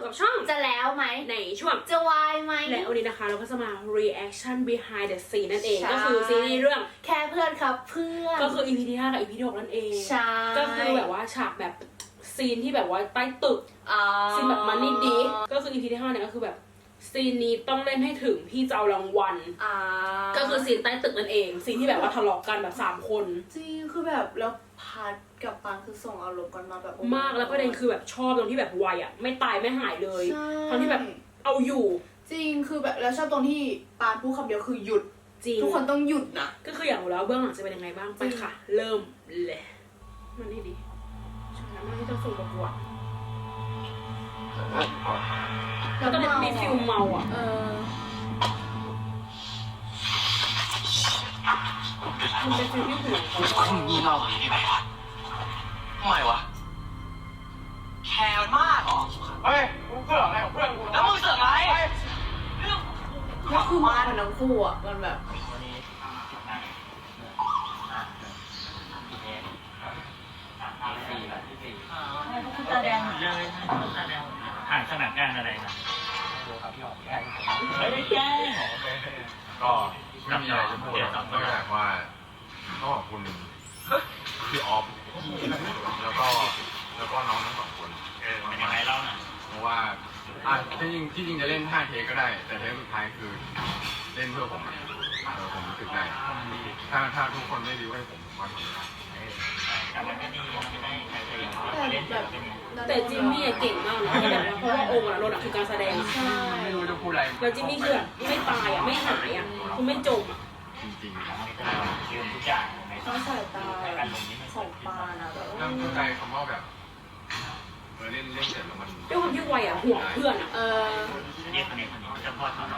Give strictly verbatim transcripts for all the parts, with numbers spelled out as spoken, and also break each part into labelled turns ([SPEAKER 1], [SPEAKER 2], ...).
[SPEAKER 1] กับช่อง
[SPEAKER 2] จะแล้วไหม
[SPEAKER 1] ในช่วง
[SPEAKER 2] จะวายไหม
[SPEAKER 1] และวันนี้นะคะเราก็จะมา reaction behind the scene นั่นเองก็คือซีรีส์เรื่อง
[SPEAKER 2] แค่เพื่อนครับเพื่อน
[SPEAKER 1] ก็คือ อี พี ที่ห้ากับ อี พี ที่หกนั่นเอง
[SPEAKER 2] ใช่
[SPEAKER 1] ก็คือแบบว่าฉากแบบซีนที่แบบว่าใต้ตึกซีนแบบมันนี่ดีก็คือ อี พี ที่ห้าเนี่ยก็คือแบบซีนนี้ต้องเล่นให้ถึงพี่จะเอารางวัลก็คือซีนใต้ตึกนั่นเองซีนที่แบบว่าทะเลาะกันแบบสามคน
[SPEAKER 2] จริงคือแบบแล้วพัดกับปางคือส่งอารมณ์กันมาแบบ
[SPEAKER 1] มากแล้วประเด็นคือแบบชอบตรงที่แบบไวอ่ะไม่ตายไม่หายเลยทั้งที่แบบเอาอยู่
[SPEAKER 2] จริงคือแบบแล้วชอบตรงที่ปานพูดคำเดียวคือหยุดจริงทุกคนต้องหยุดนะ
[SPEAKER 1] ก็คืออยากรู้แล้วเบื้องหลังจะเป็นยังไงบ้างไปค่ะเริ่มเลยมันนี่ดีใช่แล้วมันที่ต้องส่งประกวดแล้วก็มีฟิลเมาอ่ะ
[SPEAKER 2] เออ
[SPEAKER 1] มันเป็นฟิลที่ห่วงเขา
[SPEAKER 3] คุณมีเราที่ไหนวะทำไมวะแคร์มากเหรอ
[SPEAKER 4] เฮ้ยมึงเสือกอะไรของเพื่อนกู
[SPEAKER 3] แล้วมึงเสือกอะไรเรื่อง
[SPEAKER 2] แล้วคือมาเหมือนทั้งคู่อ่ะมันแบบ
[SPEAKER 5] แสดงเลยแสดงผ่านสนามงานอะไรนะไม่ได้แก้
[SPEAKER 4] ก็ไม่มีอะไรจะพูดนอกจากว่าต้องขอบคุณพี่ออฟแล้วก็แล้วก็น้องทั้งสองคน
[SPEAKER 5] เป็นยังไงเล่าหน่อย
[SPEAKER 4] เพราะว่าอ่ะที่จริงที่จริงจะเล่นห้าเทคก็ได้แต่เทคสุดท้ายคือเล่นเพื่อผมเออผมรู้สึกได้ถ้าถ้าทุกคนไม่ดีให้ผมมาทำ
[SPEAKER 5] แต่มันก็ดีไม่ได้ใครเคยเล่นแบบ
[SPEAKER 1] แต่จิมมี่เก่งมากนะเพราะว่าองค์อะโรดคือการแสดง
[SPEAKER 4] ไม่รู้จะพูดอะไร
[SPEAKER 1] แล้วจิมมี่คือไม่ตายอ่ะไม่หายอ่ะคือไม่จมอ่ะ
[SPEAKER 4] จริง
[SPEAKER 5] ๆยืนทุกอย่าง
[SPEAKER 2] ต้องสายตาของปานะแบบ
[SPEAKER 4] นั่งเข้าใจคำว่าแบบเออเล่นเล่นเสร็จแล้วมัน
[SPEAKER 1] ด้วยความที่วัยอ่ะห่วงเพื่อนอ่ะ
[SPEAKER 2] เออ
[SPEAKER 5] เรียกคนนี้คนนี้จะพ่อเขาหน่อย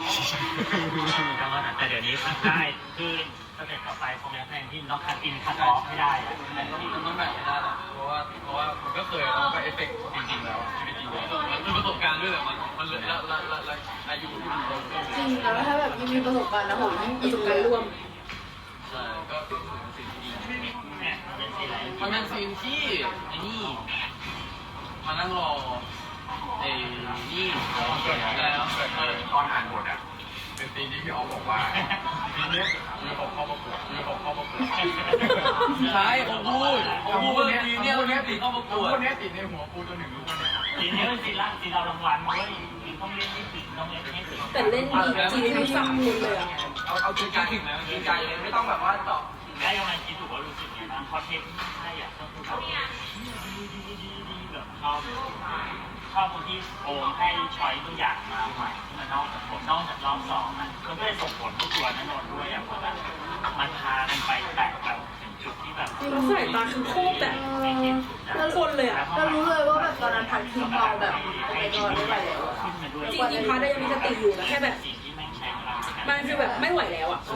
[SPEAKER 5] แต่เดี๋ยวนี้มันได้คือสเต็ปต่อไปคงจะแทนที่ล็อกคัดอินคัดออฟไม่ได้
[SPEAKER 3] แต่ก็มันต้องแบบไม่ได้หรอกเพราะว่าเพราะว่ามันก็เคยมันก็เอฟเฟกต์จริงๆแล้วชีวิตจริงมันคือประสบการณ์ด้วยแหละมันมันละละละละอายุที่มัน
[SPEAKER 2] จริงแล้วถ้าแบบยิ่งมีประสบการณ์นะผมยิ่ง
[SPEAKER 1] ประสบการณ์ร่วม
[SPEAKER 3] ใช่ก็เป็นสิ่งที่ดี
[SPEAKER 5] เนี่ยเป็นซีนอะไร
[SPEAKER 3] มันเป็นซีนที่ไอ้นี่มานั่งรอไอ้นี่แล้ว
[SPEAKER 4] ตอนอ่านบทอ่ะเป็นซีนที่พี่ออฟบอกว่าซีนนี้มีผมเข้าประกวดมีผมเข้าประกวด
[SPEAKER 3] ใช่ผมพูดผมพูดซีนนี้คนนี้ติดเข้าประกวด
[SPEAKER 4] คนนี้ติดในหัวกูจนถึงรู้ว่าเนี่ย
[SPEAKER 5] ซีนนี้เป็นซีนล่างซีนเรารางวัลเว้ยต้องเล่นให้ถึงต้องเล่นให้ถึง
[SPEAKER 1] แต่เล่นดีจริงทั้งสามคนเลยอ่ะ
[SPEAKER 3] เอาเอาจริงใจถึงแล้วจริงใจเลยไม่ต้องแบบว่าเจาะ
[SPEAKER 5] ได้ยังไงคิดถูกว่ารู้สึกยังไงบ้างคอนเทนต์ที่ใช่อ่ะก็คือแบบดีดีดีดีแบบชอบชอบคนที่โอมให้ช้อยตัวอย่างมาใหม่ที่มันนอกจากผลนอกจากรอบสองมันก็ได้ส่งผลทุกตัวนั่นนนด้วยอ่ะเพราะแบบมันพากันไปแตะแบบถึงจุดที่แบบ
[SPEAKER 1] แล้วสายตาคือโคตรแบบแล้วคนเลยอ่ะ
[SPEAKER 2] ก็รู้เลยว่าแบบตอนนั้นพันคือเมาแบบโอ้ยนอนไม่ไหวแล้ว
[SPEAKER 1] จริงจริงพัดยังมีสติอยู่นะแค่แบบมันคือแบบไม่ไหวแล้วอ่ะ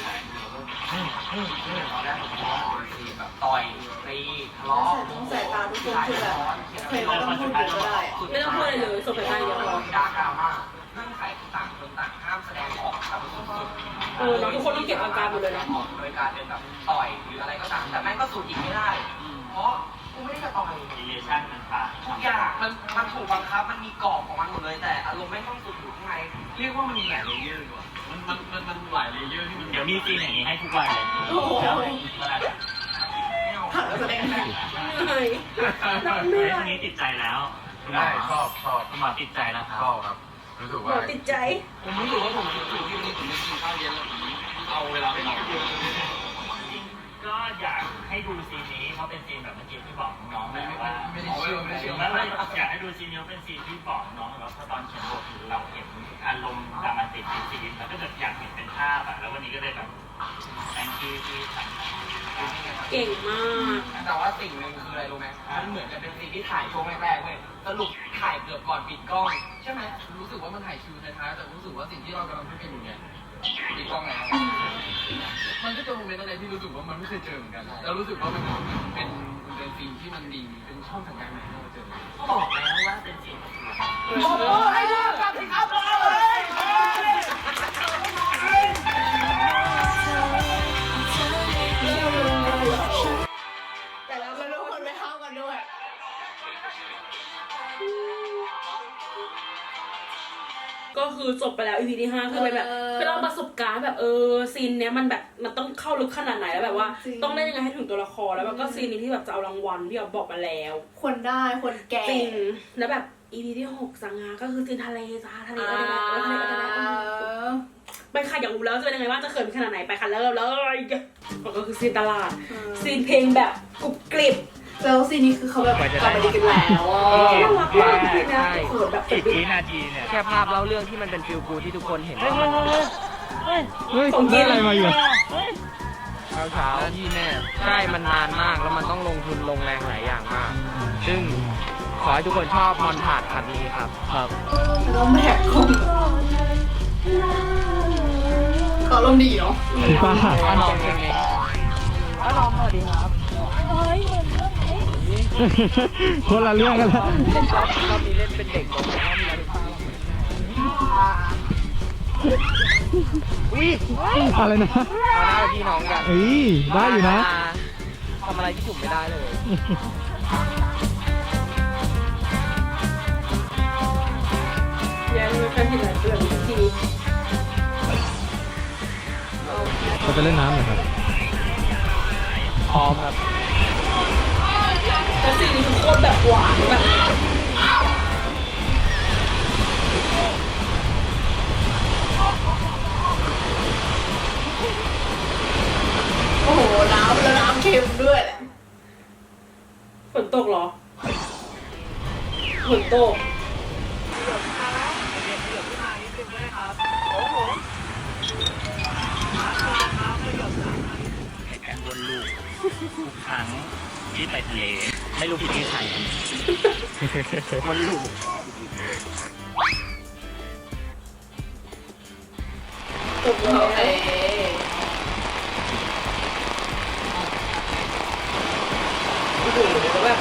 [SPEAKER 3] แบบต่อยตีทะเลาะ
[SPEAKER 2] ต้องสายตาทุกคนคือแบบเคยไม่ต้องพูดเยอะก็ได้
[SPEAKER 1] ไม่ต้องพูดอะไรเลยส่งสายตาเยอะพอ
[SPEAKER 3] ดาร์กดราม่าเงื่อนไขต่างคนต่างห้ามแสดงออกครับ
[SPEAKER 1] เออทุกคนต้องเก็บอาการหมดเลยนะ
[SPEAKER 3] โดยการเป็นแบบต่อยหรืออะไรก็ตามแต่แม่งก็สูดอีกไม่ได้เพราะกูไม่ได้จะต่อย
[SPEAKER 5] รีเลชั่นมันต่าง
[SPEAKER 3] ทุกอย่างมันมันถูกบังคับมันมีกรอบของมันหมดเลยแต่อารมณ์ไม่ต้องสูดอยู่ข้างในเรียกว่ามันมีหลายเลเยอร์ดีกว่ามันมันมันมันหลายเลเยอร์ที่มัน
[SPEAKER 5] เดี๋ยวมีซีนอย่างนี้ให้ทุกวันเลย
[SPEAKER 2] โอ้โหผ่านแล้วแสดงเหนื่อย
[SPEAKER 5] เหนื่อยนี้ติดใจแล้ว
[SPEAKER 4] ได้ชอบชอบ
[SPEAKER 5] หมอติดใจแล้วครับ
[SPEAKER 4] ชอบครับรู้สึกว่า
[SPEAKER 1] ติดใจ
[SPEAKER 3] ผมรู้สึกว่าผมรู้สึกที่วันนี้ผมไม่กินข้าวเย็นแล้วเอาเวลาไปนอน
[SPEAKER 5] ก็อยากให้ดูซีนนี้เพราะเป็นซีนแบบเมื่อกี้ที่บอกน้องๆแบบว่า
[SPEAKER 3] ไม่ได้เชื่อไม่ได้เชื่อ
[SPEAKER 5] แล้วอยากให้ดูซีนนี้เป็นซีนที่บอกน้องๆแล้วเพราะตอนเขียนบทเราเห็นอารมณ์ดรามาติกในซีนแล้วก็แบบอยากเห็นเป็นภาพอะแล้ววันนี้ก็เลยแบบแองกี้ที่ทำ
[SPEAKER 1] เก่งมาก
[SPEAKER 3] แต่ว่าสิ่งหนึ่งคืออะไรรู้ไหมมันเหมือนกับเป็นซีนที่ถ่ายช่วงแรกๆเว้ยสรุปถ่ายเกือบก่อนปิดกล้องใช่ไหมรู้สึกว่ามันถ่ายคิวท้ายๆแต่รู้สึกว่าสิ่งที่เรากำลังพูดกันอยู่เนี่ยปิดกล้องแล้วมันก็จะโมเมนต์อะไรที่รู้สึกว่ามันไม่เคยเจอเหมือนกันแล้วรู้สึกว่ามันเป็นเป็นซีนที่มันดีเป็นช่องทางการใหม่ที่เราเจอ
[SPEAKER 5] บอกแล้วว่าเป็นซีน
[SPEAKER 3] โอ้โหให้ดูกับสิครับเลย
[SPEAKER 2] แต่เราไม่รู้คนไม่เข้ากันด้วย
[SPEAKER 1] จบไปแล้ว อี พี ที่ห้าคือเป็นแบบเป็นเราประสบการณ์แบบเออซีนเนี้ยมันแบบมันต้องเข้าลึกขนาดไหนแล้วแบบว่าต้องเล่นยังไงให้ถึงตัวละครแล้วมันก็ซีนนี้ที่แบบจะเอารางวัลที่เราบอกมาแล้ว
[SPEAKER 2] คนได้คนแก่
[SPEAKER 1] จริงแล้วแบบ อี พี ที่หกสังหาก็คือซีนทะเลจ้าทะเลอะไรนะทะเลอะไรนะไปค่ะอยากรู้แล้วจะเป็นยังไงบ้างจะเขินขนาดไหนไปค่ะเริ่มเลยก็คือซีนตลาดซีนเพลงแบบกรุบกริบ
[SPEAKER 2] แล้วซีนนี้คือเขาแบบกลับมาดีกันแล้วอ่ะ
[SPEAKER 1] น่ารักมากเลยนะเขินแบบ
[SPEAKER 5] สิบวินาทีเนี่ย
[SPEAKER 3] แค่ภาพเล่าเรื่องที่มันเป็นฟิลกูที่ทุกคนเห็น
[SPEAKER 5] เฮ้ย
[SPEAKER 3] ว่า
[SPEAKER 5] เฮ้ย
[SPEAKER 3] มัน
[SPEAKER 5] เฮ้ย
[SPEAKER 1] ของกินอะไรมาอยู่
[SPEAKER 3] เช้าเช้าที่แน่ใช่มันนานมากแล้วมันต้องลงทุนลงแรงหลายอย่างมาก ซึ่งขอให้ทุกคนชอบมอนทาดคันนี้ครับครับ
[SPEAKER 2] แล้วแม็กคงเขาลมดีเนาะ
[SPEAKER 4] ป้า
[SPEAKER 3] ถ้าลองเพลงนี้ถ้าลองสวัสดีครับ
[SPEAKER 4] คนละเรื่องกันแล้ว
[SPEAKER 3] เล่นรอบรอบนี้เล่นเป็นเด็กผมรอบนี้เป็นอุ้ย
[SPEAKER 4] อะไรนะ
[SPEAKER 3] มาหน้าพี่น้องกัน
[SPEAKER 4] เอ้ยได้อยู่นะ
[SPEAKER 3] ทำอะไรที่ถูกไม่ได้เลย
[SPEAKER 1] ยังไม่เคยเห็นอะไรแบบนี้ที
[SPEAKER 4] เราจะเล่นน้ำเหรอครับ
[SPEAKER 3] พร้อมครับ
[SPEAKER 1] แล้วซีนนี้คือโคตรแบบหวานแบบ
[SPEAKER 2] โอ้โหน้ำแล้วน้ำเค็มด้วยแหละ
[SPEAKER 1] ฝนตกเหรอฝนตก
[SPEAKER 5] แข่งวนลูกทุกครั้งที่ไปทะเลไม่รู้ผิดที่ใครวนลูก
[SPEAKER 1] ตกแล้ว
[SPEAKER 2] โอเค
[SPEAKER 1] โอ้โหแบบ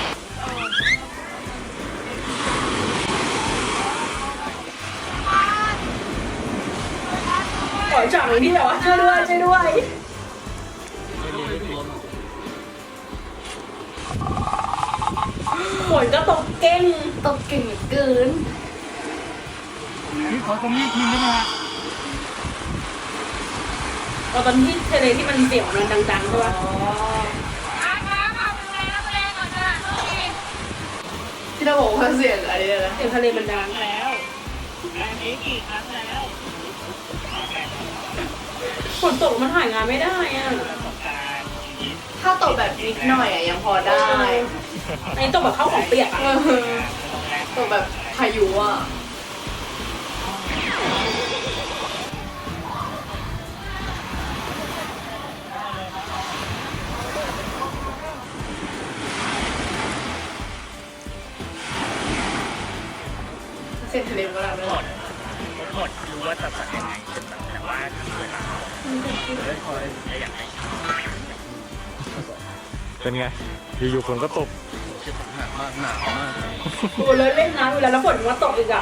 [SPEAKER 1] ขอจังเลยที่แบบว่าช่วยด้วยช่วยด้วยฝนก็ตกเก่ง
[SPEAKER 2] ตกเก่งเหลือเกิน
[SPEAKER 5] นี่ขอตรงนี้ทีได้ไหมฮะ
[SPEAKER 1] ตอนที่ทะเลที่มันเสียงมันดังๆใช่ปะ
[SPEAKER 2] ที่เราบอกว่าเสียงอะไรนะ
[SPEAKER 1] เสียงทะเลมันดัง
[SPEAKER 5] แล้วแบบนี้กี่ครั้งแล้ว
[SPEAKER 1] ฝนตกมันถ่ายงานไม่ได้อะ
[SPEAKER 5] ประสบการณ์ชีวิต
[SPEAKER 2] ถ้าตกแบบนิดหน่อยอ่ะยังพอได้
[SPEAKER 1] อันนี้ตกแบบเข้าของเปียกอะ
[SPEAKER 2] เออตกแบบพายุอ่ะเสียงทะเลก็แล้ว
[SPEAKER 5] หมดหมดรู้ว่าจะสั่งยังไงแต่ว่าทำเวลาเลยคอยอยากให้
[SPEAKER 4] เป็นไง อยู่ๆฝนก็ตก
[SPEAKER 3] หนักมากหนาวมาก
[SPEAKER 1] โอ้เลยเล่นน้ำอยู่แล้วแล้วฝนมันตกอีกอะ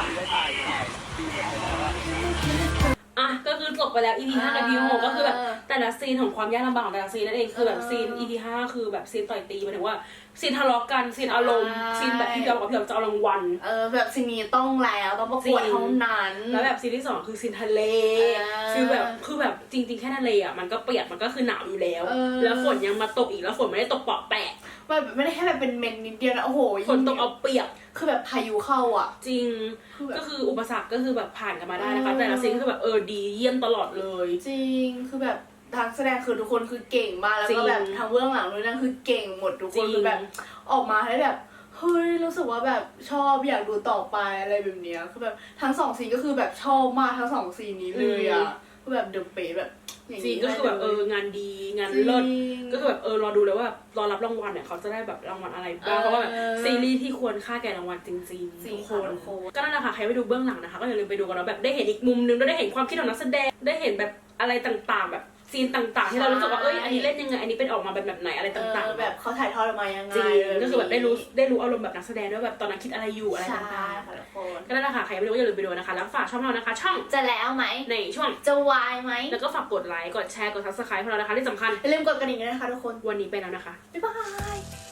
[SPEAKER 1] อ่ะก็คือจบไปแล้ว อี พี ห้ากับ อี พี หกก็คือแบบแต่ละซีนของความยากลำบากของแต่ละซีนนั่นเองคือแบบซีน อี พี ห้าคือแบบซีนต่อยตีหมายถึงว่าซีนทะเลาะกันซีนอารมณ์ซีนแบบพี่เบลกับพี่เบลจะเอารางวัล
[SPEAKER 2] เออแบบซีนี้ต้องแล้วต้องประกวดเท่านั้น
[SPEAKER 1] แล้วแบบซีนที่สองคือซีนทะเล
[SPEAKER 2] อ่า
[SPEAKER 1] คือแบบคือแบบจริงๆแค่ทะเลอ่ะมันก็เปียกมันก็คือหนาวอยู่แล้ว
[SPEAKER 2] เออ
[SPEAKER 1] แล้วฝนยังมาตกอีกแล้วฝนไม่ได้ตกเปาะแปะ
[SPEAKER 2] แบบไม่ได้แค่แบบเป็นเมนนิดเดียวนะโอ้โห
[SPEAKER 1] ฝนตกเอาเปียก
[SPEAKER 2] คือแบบพายุเข้าอ่ะ
[SPEAKER 1] จริง
[SPEAKER 2] คือแบบ
[SPEAKER 1] ก็คืออุปสรรคก็คือแบบผ่านกันมาได้นะคะ
[SPEAKER 2] เออ
[SPEAKER 1] แต่ละซีนก็คือแบบเออดีเยี่ยมตลอดเลย
[SPEAKER 2] จริงคือแบบทางแสดงคือทุกคนคือเก่งมากแล้ว
[SPEAKER 1] จริ
[SPEAKER 2] ก็
[SPEAKER 1] ง
[SPEAKER 2] แบบทางเบื้องหลังด้วยนั่นคือเก่งหมดทุก
[SPEAKER 1] จริ
[SPEAKER 2] คน
[SPEAKER 1] ง
[SPEAKER 2] คือแบบออกมาให้แบบเฮ้ยรู้สึกว่าแบบชอบอยากดูต่อไปอะไรแบบเนี้ยคือแบบทั้งสองซีนก็คือแบบชอบมากทั้งสองซีนนี้เลยอ่ะคือแบบเดอะเป๊ะแบบอย่าง
[SPEAKER 1] จริง
[SPEAKER 2] นี้
[SPEAKER 1] ก็คือแบบเอองานดีงานเลิศก็คือแบบเออรอดูเลยว่าแบบรอรับรางวัลเนี่ยเขาจะได้แบบรางวัลอะไรบ้างเพราะว่าแบบซีรีส์ที่ควรค่าแก่รางวัลจริง
[SPEAKER 2] จริ
[SPEAKER 1] ๆ
[SPEAKER 2] ง
[SPEAKER 1] ทุกค
[SPEAKER 2] ค่ะ
[SPEAKER 1] น
[SPEAKER 2] ทุกคน
[SPEAKER 1] ก็นั่นแหละค่ะใครไปดูเบื้องหลังนะคะก็อย่าลืมไปดูกันเนาะแบบได้เห็นอีกมุมนึงได้เห็นความคิดของนักแสดงได้เห็นแบบอะไรต่างๆ แบบซีนต่างๆ ที่เรารู้สึกว่าเอ้ยอันนี้เล่นยังไงอันนี้เป็นออกมาแบบแบบไหนอะไร
[SPEAKER 2] เอ
[SPEAKER 1] ต่าง
[SPEAKER 2] อ
[SPEAKER 1] ๆ
[SPEAKER 2] แบบเขาถ่ายทอดออกมายังไง
[SPEAKER 1] จริง
[SPEAKER 2] เลย
[SPEAKER 1] ก็คือแบบได้รู้ได้รู้อารมณ์แบบนักแสดงด้วยแบบตอนนั้นคิดอะไรอยู่อะไร
[SPEAKER 2] ใช่
[SPEAKER 1] ต่าง
[SPEAKER 2] ค่ะทุกคน
[SPEAKER 1] ๆก็นั่นแหละค่ะใครไม่รู้ก็อย่าลืมไปดูนะคะแล้วฝากช่องเรานะคะ ช่อง
[SPEAKER 2] จะแล้วไหม
[SPEAKER 1] ในช่วง
[SPEAKER 2] จะวายไหม
[SPEAKER 1] แล้วก็ฝากกดไลค์กดแชร์กด ซับสไครบ์ พวกเรานะคะที่สำคัญ
[SPEAKER 2] อย่าลืมกดกระดิ่งด้วยนะคะทุกคน
[SPEAKER 1] วันนี้ไปแล้วนะคะ
[SPEAKER 2] บ๊ายบาย